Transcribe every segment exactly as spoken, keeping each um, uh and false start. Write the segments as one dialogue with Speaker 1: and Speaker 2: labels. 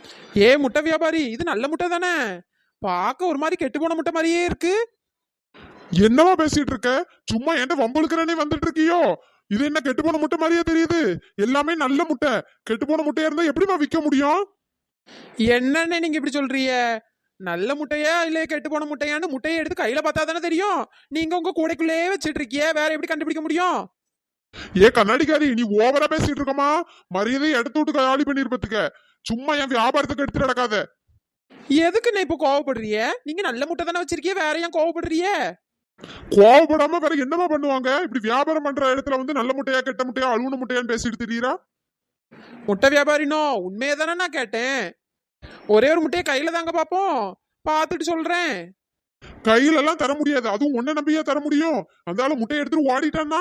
Speaker 1: ஏ முட்டை வியாபாரி, இது நல்ல முட்டை தானே? பார்க்க ஒரு மாதிரி கெட்டு போன முட்டை மாதிரியே இருக்கு.
Speaker 2: என்னவா பேசிட்டு இருக்க? சும்மா என்கிட்ட வம்புழுக்கிறனே வந்துட்டு இருக்கியோ? இது என்ன கெட்டு போன முட்டை மாதிரியே தெரியுது? எல்லாமே நல்ல முட்டை. கெட்டு போன முட்டையா இருந்தா எப்படிமா விற்க முடியும்?
Speaker 1: என்னன்னு நீங்க இப்படி சொல்றீங்க? நல்ல முட்டையா இல்ல கெட்டு போன முட்டையான்னு முட்டையை எடுத்து கையில பார்த்தா தானே தெரியும். நீங்க உங்க கூடைக்குள்ளேயே வச்சிட்டு இருக்கிய, வேற எப்படி கண்டுபிடிக்க முடியும்?
Speaker 2: ஏ கண்ணாடிக்காரி, நீ ஓவரா பேசிட்டு இருக்கமா? மரியாதையை எடுத்து விட்டு காலி பண்ணிருப்பதுக்க. சும்மா என் வியாபாரத்துக்கு எடுத்துட்டு நடக்காத.
Speaker 1: எதுக்கு நான் இப்ப கோவப்படுறிய? நீங்க நல்ல முட்டை தானே வச்சிருக்கிய, வேற ஏன் கோவப்படுறிய?
Speaker 2: கோவப்படாம வேற என்னமா பண்ணுவாங்க? இப்படி வியாபாரம் பண்ற இடத்துல வந்து நல்ல முட்டையா கெட்ட முட்டையா அழுகுன முட்டையான்னு பேசிட்டு தெரியுறா?
Speaker 1: முட்டை வியாபாரினோ, உண்மையை தானே நான் கேட்டேன். ஒரே ஒரு முட்டையை கையில தாங்க பாப்போம், பார்த்துட்டு சொல்றேன்.
Speaker 2: கையில எல்லாம் தர முடியாது, அதுவும் ஒன்ன நம்பியா தர முடியும்? அந்த ஆளு முட்டையை எடுத்துட்டு ஓடிட்டான்னா?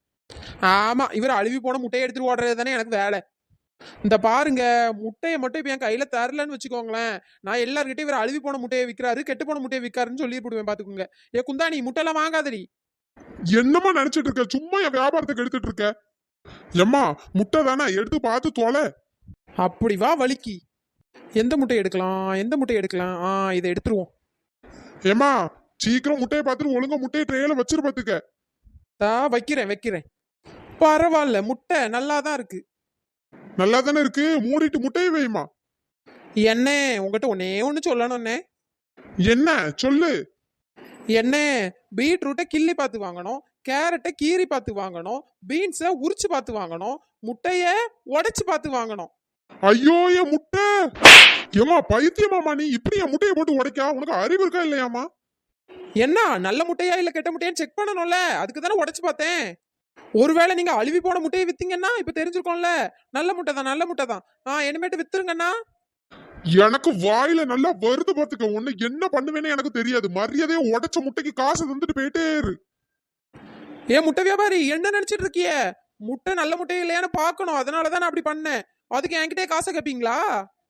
Speaker 1: ஆமா, இவர் அழுவி போன முட்டையை எடுத்துட்டு ஓடுறது தானே எனக்கு வேலை. இந்த பாருங்க, முட்டையை மட்டும் இப்ப என் கையில தரலன்னு வச்சுக்கோங்களேன், நான் எல்லார்கிட்டயும் இவர் அழுவி போன முட்டையை விற்கிறாரு, கெட்டு போன முட்டையை விற்காருன்னு சொல்லி போடுவேன். பாத்துக்கோங்க. ஏ குந்தாணி, முட்டையெல்லாம் வாங்காதடி.
Speaker 2: என்னமா நினைச்சிட்டு இருக்க? சும்மா என் வியாபாரத்துக்கு எடுத்துட்டு இருக்க. எம்மா, முட்டை தானே, எடுத்து பார்த்து தொலை.
Speaker 1: அப்படி வா வலிக்கு. எந்த முட்டை எடுக்கலாம்? எந்த முட்டை எடுக்கலாம்? ஆ, இதை எடுத்துருவோம்.
Speaker 2: ஏமா, சீக்கிரம் முட்டையை பார்த்துட்டு ஒழுங்கா முட்டையை ட்ரேல வச்சிரு பாத்துக்க.
Speaker 1: தா வைக்கிறேன் வைக்கிறேன். பரவாயில்ல, முட்டை நல்லா தான் இருக்கு.
Speaker 2: நல்லா தானே இருக்கு, மூடிட்டு முட்டையை வைமா.
Speaker 1: என்ன, உங்ககிட்ட ஒன்னே ஒண்ணு சொல்லணும்னே.
Speaker 2: என்ன சொல்லு?
Speaker 1: என்ன, பீட்ரூட்டை கிள்ளி பார்த்து வாங்கணும், கேரட்டை கீரி பார்த்து வாங்கணும், பீன்ஸை உரிச்சு பார்த்து வாங்கணும், முட்டைய உடைச்சு பார்த்து வாங்கணும்.
Speaker 2: ஐயோ என் முட்டை! ஏமா பைத்தியமாமா நீ? இப்படி என் முட்டையை போட்டு உடைக்கா? உனக்கு அறிவு இருக்கா இல்லையாமா?
Speaker 1: என்ன, நல்ல முட்டையா இல்ல கெட்ட முட்டையான்னு செக் பண்ணணும்ல, அதுக்கு தானே உடைச்சு பார்த்தேன். ஒருவேளை நீங்க அழுவி போன முட்டையை வித்தீங்கன்னா இப்ப தெரிஞ்சிருக்கோம்ல, நல்ல முட்டை தான் நல்ல முட்டை தான். ஆ, இனிமேட்டு வித்துருங்கண்ணா.
Speaker 2: எனக்கு வாயில நல்லா வருது பாத்துக்க. உன்னை என்ன பண்ணுவேன்னு எனக்கு தெரியாது. மரியாதையா உடைச்ச முட்டைக்கு காசு தந்துட்டு போயிட்டே இரு.
Speaker 1: ஏன் முட்டை வியாபாரி, என்ன நினைச்சிட்டு இருக்கிய? முட்டை நல்ல முட்டை இல்லையான்னு பாக்கணும், அதனாலதான் நான் அப்படி பண்ணேன். அதுக்கு என்கிட்டே காசை கேப்பீங்களா?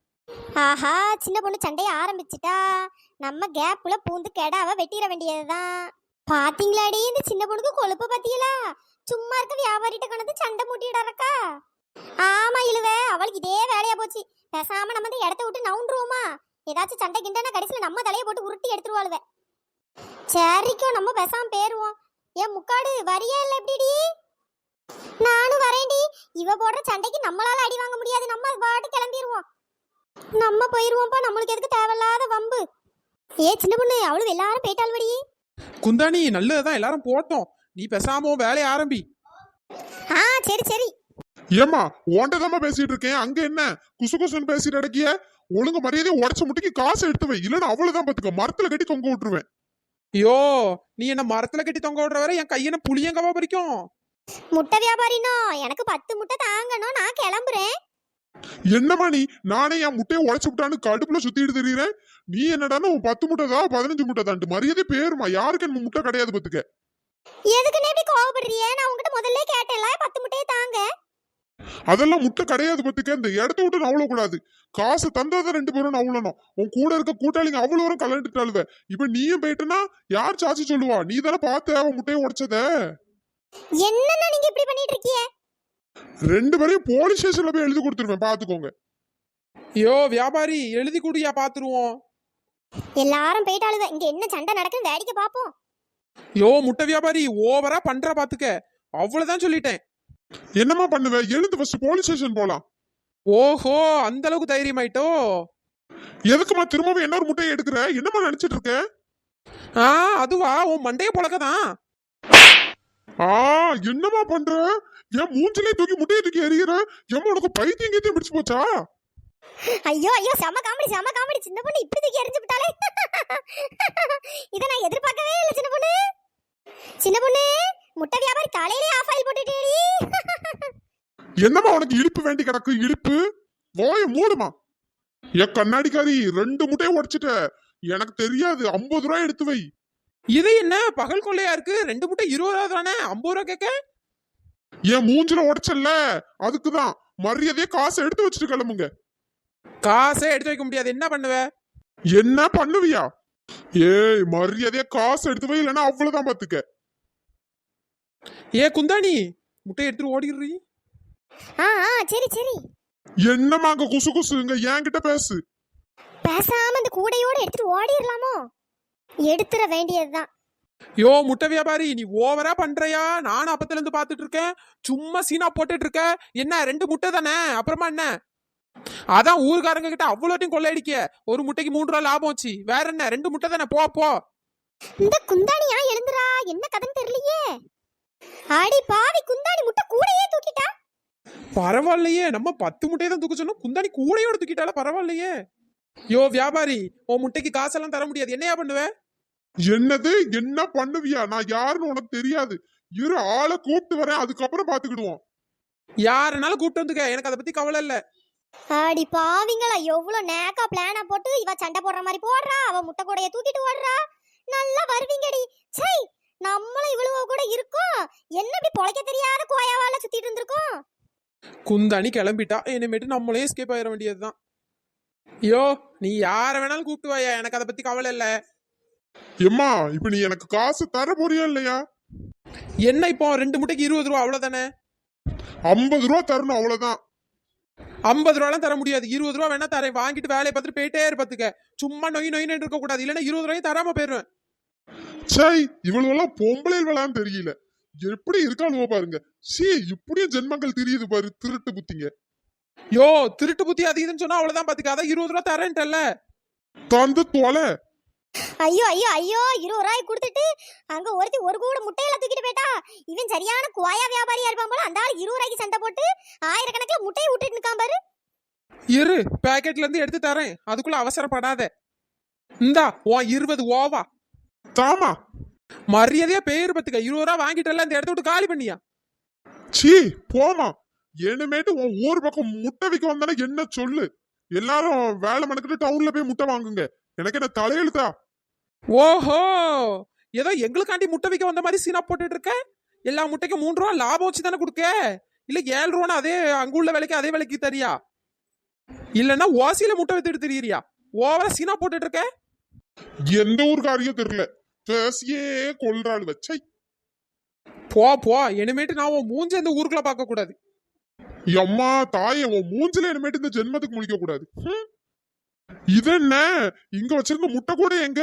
Speaker 3: ஆஹா, சின்ன பொண்ணு சண்டைய ஆரம்பிச்சிட்டா. நம்ம கேப்புல பூந்து கெடாவ வெட்டிட வேண்டியதுதான். பாத்தீங்களாடி, இந்த சின்ன பொண்ணுக்கு கொழுப்பு பாத்தீங்களா? சும்மா இருக்க வியாபாரிட்ட கணத்து சண்டை மூட்டிடறக்கா. ஆமா இழுவ, அவளுக்கு இதே வேலையா போச்சு. பேசாம நம்ம இந்த இடத்த விட்டு நவுண்டுருவோமா? ஏதாச்சும் சண்டை கிண்டனா கடைசியில நம்ம தலையை போட்டு உருட்டி எடுத்துருவாளுவ. சரிக்கோ, நம்ம பேசாம பேருவோம். ஏன் முக்காடு வரியா இல்ல எப்படிடி? நானும் வரேன்டி. இவ போடுற சண்டைக்கு நம்மளால அடி வாங்க முடியாது, நம்ம பாட்டு கிளம்பிடுவோம். நம்ம போயிருவோம்ப்பா, நம்மளுக்கு எதுக்கு தேவையில்லாத வம்பு. ஏ சின்ன பொண்ணு, அவளும் எல்லாரும் போயிட்டாள்வடி.
Speaker 1: குந்தாணி, நல்லதுதான், எல்லாரும் போட்டோம். நீ பேசாம வேலையை ஆரம்பி.
Speaker 3: ஆ சரி சரி.
Speaker 2: ஏமா, ஓண்டதாமா பேசிட்டு இருக்கேன், அங்க என்ன குசு குசுன்னு பேசிட்டு அடக்கிய? ஒழுங்கு மரியாதையா உடைச்ச முட்டைக்கு காசு எடுத்து வை, இல்லன்னா அவ்வளவுதான் பாத்துக்க, மரத்துல கட்டி தொங்க விட்டுருவேன்.
Speaker 1: ஐயோ, நீ என்ன மரத்துல கட்டி தொங்க விடுற வரை என் கையன புளியங்கவா பறிக்கும்.
Speaker 3: முட்டை வியாபாரினோ, எனக்கு பத்து முட்டை தாங்கணும், நான் கிளம்புறேன்.
Speaker 2: என்னமா நீ? நானே என் முட்டையை உடைச்சு விட்டான்னு கடுப்புல சுத்திட்டு தெரியுறேன். நீ என்னடான்னு உன் பத்து முட்டை தான் பதினஞ்சு முட்டை தான்ட்டு மரியாதை பேருமா. யாருக்கு என்ன முட்டை கிடையாது பாத்துக்க.
Speaker 3: எதுக்குன்னு இப்படி கோவப்படுறிய? நான் உங்ககிட்ட முதல்ல கேட்டேன்ல, பத்து முட்டையை தாங்க.
Speaker 2: அதெல்லாம் முட்டை கிடையாது பாத்துக்க. இந்த இடத்த விட்டு நவள கூடாது. காசு தந்தாதான் ரெண்டு பேரும் நவளணும். உன் கூட இருக்க கூட்டாளிங்க அவ்வளவு வரும் கலந்துட்டாளுவ. இப்ப நீயும் போயிட்டனா யார் சாட்சி சொல்லுவா? நீ தானே பார்த்த அவன் முட்டையை உடைச்சத.
Speaker 3: என்னன்னா நீங்க இப்படி பண்ணிட்டு இருக்கீங்க?
Speaker 2: ரெண்டு பேரையும் போலீஸ் ஸ்டேஷன்ல போய் எழுதி கொடுத்துருவேன், பாத்துக்கோங்க.
Speaker 1: ஐயோ வியாபாரி, எழுதி கூடியா, பாத்துருவோம்.
Speaker 3: எல்லாரும் போயிட்டாளுவ, இங்க என்ன சண்டை நடக்குன்னு வேடிக்கை பாப்போம்.
Speaker 1: யோ முட்டை வியாபாரி, ஓவரா பண்ற பாத்துக்க. அவ்வளவுதான் சொல்லிட்டேன்.
Speaker 2: என்னமா பண்ணுவ? எழுந்து ஃபர்ஸ்ட் போலீஸ் ஸ்டேஷன் போலாம்.
Speaker 1: ஓஹோ, அந்த அளவுக்கு தைரியம் ஆயிட்டோ?
Speaker 2: எதுக்குமா திரும்பவும் என்ன ஒரு முட்டையை எடுக்கிற? என்னமா நினைச்சிட்டு இருக்க?
Speaker 1: ஆ, அதுவா, உன் மண்டைய பொழக்கதான்.
Speaker 2: ஆ, என்னமா பண்ற? என் மூஞ்சிலே தூக்கி முட்டையை தூக்கி எறிகிற. எம்மா, உனக்கு பைத்தியம் கீத்தியம் பிடிச்சு போச்சா?
Speaker 3: ஐயோ ஐயோ, செம காமெடி செம காமெடி. சின்ன பொண்ணு இப்படி தூக்கி எறிஞ்சு விட்டாலே. இத நான் எதிர்பார்க்கவே இல்லை சின்ன பொண்ணு. சின்ன பொண்ணு, முட்டை வியாபாரி காலையிலே ஆஃப் ஆயில் போட்டுட்டேடி.
Speaker 2: என்னமா உனக்கு இழுப்பு வேண்டி கிடக்கு? இழுப்பு வாய மூடுமா. என் கண்ணாடிக்காரி, ரெண்டு முட்டையை உடைச்சிட்ட. எனக்கு தெரியாது, ஐம்பது ரூபாய் எடுத்து வை.
Speaker 1: இது என்ன பகல் கொள்ளையா இருக்கு? ரெண்டு முட்டை இருபது ரூபா தானே, ஐம்பது ரூபா கேட்க?
Speaker 2: என் மூஞ்சில உடைச்சல்ல, அதுக்குதான். மரியாதையா காசை எடுத்து வச்சுட்டு கிளம்புங்க.
Speaker 1: காசே எடுத்து வைக்க முடியாது, என்ன பண்ணுவ?
Speaker 2: என்ன பண்ணுவியா? ஏய், மரியாதையா காசு எடுத்து வை, இல்லைன்னா அவ்வளவுதான் பாத்துக்க.
Speaker 1: ஏ குந்தாணி, முட்டை எடுத்துட்டு ஓடிடுறீ.
Speaker 3: ஆ ஆ சரி சரி.
Speaker 2: என்னம்மா அங்க குசு குசுங்க என்கிட்ட பேசு.
Speaker 3: பேசாம இந்த கூடையோட எடுத்துட்டு ஓடிடலாமோ? எடுத்துற வேண்டியதுதான்.
Speaker 1: யோ முட்டை வியாபாரி, நீ ஓவரா பண்றியா? நானும் அப்பத்துல இருந்து பாத்துட்டு இருக்கேன். சும்மா சீனா போட்டுட்டு இருக்க. என்ன ரெண்டு முட்டை தானே, அப்புறமா என்ன? அதான் ஊருக்காரங்க கிட்ட அவ்வளோட்டையும் கொள்ளையடிக்க. ஒரு முட்டைக்கு மூன்று ரூபா லாபம் வச்சு. வேற என்ன, ரெண்டு முட்டை தானே, போ போ.
Speaker 3: இந்த குந்தாணியா எழுந்துரா, என்ன கதைன்னு தெரியலையே. அடி பாவி, குந்தாணி முட்டை கூடையே தூக்கிட்டா.
Speaker 1: பரவாயில்லையே, நம்ம பத்து முட்டையை தான் தூக்க சொன்னோம், குந்தாணி கூடையோட தூக்கிட்டால, பரவாயில்லையே. யோ வியாபாரி, உன் முட்டைக்கு காசெல்லாம் தர முடியாது, என்னையா பண்ணுவ?
Speaker 2: என்னது என்ன பண்ணுவியா? நான் யாருன்னு உனக்கு தெரியாது. இரு ஆளை கூப்பிட்டு வரேன், அதுக்கப்புறம் பாத்துக்கிடுவோம்.
Speaker 1: யாருனாலும் கூப்பிட்டு வந்துக்க, எனக்கு அதை பத்தி கவலை இல்ல.
Speaker 3: அடி பாவிங்களா, எவ்வளவு நேக்கா பிளானா போட்டு இவ சண்டை போடுற மாதிரி போடுறா, அவ முட்டை கூடைய தூக்கிட்டு ஓடுறா. நல்லா வருவீங்கடி. சை, நம்மளும் இவ்வளவு கூட இருக்கோம். என்ன இப்படி பொழைக்க தெரியாத கோயாவால சுத்திட்டு இருந்திருக்கோம்.
Speaker 1: குந்தாணி கிளம்பிட்டா, இனிமேட்டு நம்மளே எஸ்கேப் ஆயிட வேண்டியதுதான். யோ நீ யார வேணாலும் கூப்பிட்டு வாயா, எனக்கு அதை பத்தி கவலை இல்ல.
Speaker 2: எம்மா இப்ப நீ எனக்கு காசு தர போறியா இல்லையா?
Speaker 1: என்ன இப்போ ரெண்டு முட்டைக்கு இருபது ரூபா அவ்வளவுதானே?
Speaker 2: ஐம்பது ரூபா தரணும், அவ்வளவுதான்.
Speaker 1: ஐம்பது ரூபாலாம் தர முடியாது, இருபது ரூபா வேணா தரேன். வாங்கிட்டு வேலையை பார்த்துட்டு போயிட்டே இருப்பதுக்க. சும்மா நொய் நொயின்னு இருக்க கூடாது, இல்லைன்னா இருபது ரூபாயும் தராம போயிருவேன்.
Speaker 2: சை, இவ்வளவு எல்லாம் பொம்பளை வேளான்னு தெரியல. எப்படி இருக்காளுவோ பாருங்க. சீ, இப்படியும் ஜென்மங்கள் தெரியுது பாரு, திருட்டு புத்திங்க.
Speaker 1: யோ திருட்டு புத்தி அது இதுன்னு சொன்னா அவ்வளவுதான் பாத்துக்க. அதான் இருபது ரூபா தரேன்ட்டல்ல.
Speaker 2: தந்து தொலை.
Speaker 3: ஐயோ ஐயோ ஐயோ, இருபது ரூபாய் கொடுத்துட்டு அங்க ஒருத்தி ஒரு கூட முட்டையில தூக்கிட்டு போயிட்டா. இவன் சரியான குவாயா வியாபாரியா இருப்பான் போல. அந்த ஆள் இருபது ரூபாய்க்கு சண்டை போட்டு ஆயிரக்கணக்கில் முட்டையை விட்டுட்டு நிக்கான் பாரு.
Speaker 1: இரு, பேக்கெட்ல இருந்து எடுத்து தரேன், அதுக்குள்ள அவசரப்படாத. இந்தா உன் இருபது ஓவா.
Speaker 2: தாமா
Speaker 1: மரியாதையா பேரு பத்துக்க. இருபது ரூபா வாங்கிட்டல, இந்த இடத்த விட்டு காலி பண்ணியா.
Speaker 2: சீ போமா. இனிமேட்டு உன் ஊர் பக்கம் முட்டை விற்க வந்தானே என்ன சொல்லு. எல்லாரும் வேலை மணக்கிட்டு டவுன்ல போய் முட்டை வாங்குங்க. எனக்கு என்ன தலையெழுத்தா?
Speaker 1: ஓஹோ, ஏதோ எங்களுக்காண்டி முட்டை விற்க வந்த மாதிரி சீனா போட்டுட்டு இருக்க. எல்லா முட்டைக்கும் மூன்று ரூபா லாபம் வச்சு தானே கொடுக்க. இல்ல ஏழு ரூபான்னு அதே அங்குள்ள விலைக்கு அதே விலைக்கு தரியா? இல்லன்னா ஓசியில முட்டை வித்துட்டு தெரியறியா? ஓவரா சீனா போட்டுட்டு இருக்க.
Speaker 2: எந்த ஊருக்காரியும் தெரியல, பேசியே கொள்றாள் வச்சை.
Speaker 1: போ போ, இனிமேட்டு நான் உன் மூஞ்ச இந்த ஊருக்குள்ள பார்க்க கூடாது.
Speaker 2: அம்மா தாயே, உன் மூஞ்சில இனிமேட்டு இந்த ஜென்மத்துக்கு முழிக்க கூடாது. இது என்ன இங்க வச்சிருந்த முட்டை கூட எங்க?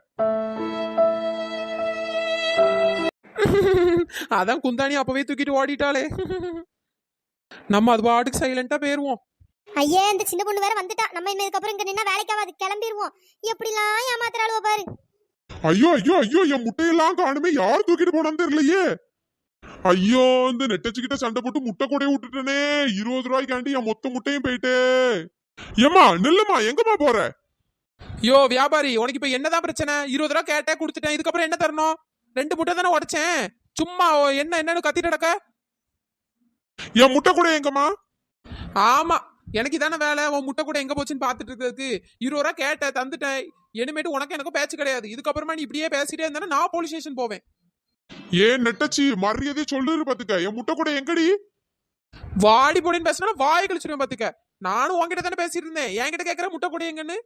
Speaker 1: அதான் குந்தாணி அப்பவே தூக்கிட்டு ஓடிட்டாளே. நம்ம அது பாட்டுக்கு சைலண்டா போயிருவோம்.
Speaker 3: ஐயே, இந்த சின்ன பொண்ணு வேற வந்துட்டா. நம்ம இன்னதுக்கு அப்புறம் இங்க நின்னா வேலைக்காவது, கிளம்பிடுவோம். எப்படிலாம் ஏமாத்துறாளுவோ பாரு.
Speaker 2: ஐயோ ஐயோ ஐயோ, என் முட்டையெல்லாம் காணுமே, யார் தூக்கிட்டு போனான்னு தெரியலையே. ஐயோ, இந்த நெட்டச்சுக்கிட்ட சண்டை போட்டு முட்டை கூடையை விட்டுட்டனே. இருபது ரூபாய்க்காண்டி என் மொத்த முட்டையும் போயிட்டு. ஏமா நில்லுமா, எங்கம்மா போற?
Speaker 1: யோ வியாபாரி, உனக்கு இப்ப என்னதான் பிரச்சனை? இருபது ரூபா கேட்டே கொடுத்துட்டேன், இதுக்கப்புறம் என்ன தரணும்? ரெண்டு முட்டை தானே உடைச்சேன், சும்மா என்ன என்னன்னு கத்திட்டு நடக்க.
Speaker 2: என் முட்டை கூட எங்கம்மா?
Speaker 1: ஆமா, எனக்கு இதான வேலை, உன் முட்டை கூட எங்க போச்சுன்னு பாத்துட்டு இருக்கிறதுக்கு. இருபது ரூபா கேட்ட தந்துட்டேன். இனிமேட்டு உனக்கு எனக்கும் பேச்சு கிடையாது. இதுக்கப்புறமா நீ இப்படியே பேசிட்டே இருந்தா நான் போலீஸ் ஸ்டேஷன் போவேன்.
Speaker 2: ஏன் நெட்டச்சி, மரியாதையை சொல்லுரு பாத்துக்க. என் முட்டை கூட எங்கடி?
Speaker 1: வாடி போடின்னு பேசினா வாய் கழிச்சிருவேன் பாத்துக்க. நானும் உன்கிட்ட தானே பேசிட்டு இருந்தேன், என்கிட்ட கேட்கற முட்டை கூட எங்கன்னு.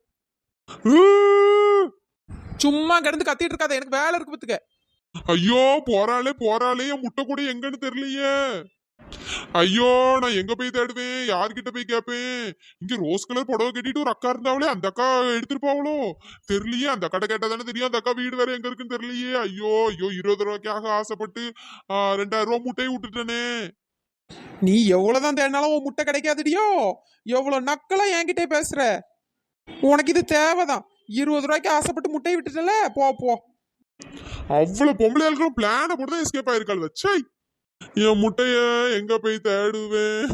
Speaker 1: சும்மா கிடந்து கத்திட்டு இருக்காத, எனக்கு வேலை இருக்கு பாத்துக்க.
Speaker 2: ஐயோ போறாளே போறாளே, என் முட்டை கூட எங்கன்னு தெரியலையே. ஐயோ, நான் எங்க போய் தேடுவேன், யார்கிட்ட போய் கேட்பேன்? இங்க ரோஸ் கலர் புடவை கட்டிட்டு ஒரு அக்கா இருந்தாவளே, அந்த அக்கா எடுத்துட்டு போவளோ தெரியலையே. அந்த அக்கா கேட்டா தானே தெரியும், அந்த அக்கா வீடு வேற எங்க இருக்குன்னு தெரியலையே. ஐயோ ஐயோ, இருபது ரூபாய்க்காக ஆசைப்பட்டு ரெண்டாயிரம் ரூபாய் முட்டையை விட்டுட்டனே.
Speaker 1: நீ எவ்வளவுதான் தேடினாலும் உன் முட்டை கிடைக்காதுடியோ. எவ்வளவு நக்கலா என்கிட்ட பேசுற. உனக்கு இது தேவைதான். இருபது ரூபாய்க்கு ஆசைப்பட்டு முட்டையை விட்டுட்டல, போ போ.
Speaker 2: அவ்வளவு பொம்பளையாளுக்கும் பிளான போட்டுதான் எஸ்கேப் ஆயிருக்காள் வச்சை. என் முட்டைய எங்க போய் தேடுவேன்?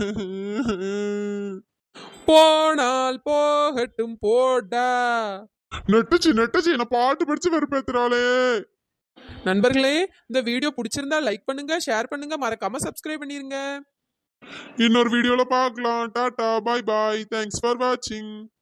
Speaker 1: போனால் போகட்டும் போடா.
Speaker 2: நெட்டுச்சு நெட்டுச்சு, என்ன பாட்டு படிச்சு வெறுப்பேத்துறாளே.
Speaker 1: நண்பர்களே, இந்த வீடியோ பிடிச்சிருந்தா லைக் பண்ணுங்க, ஷேர் பண்ணுங்க, மறக்காம சப்ஸ்கிரைப் பண்ணிருங்க.
Speaker 2: இன்னொரு வீடியோல பார்க்கலாம். Tata, bye bye, thanks for வாட்சிங்.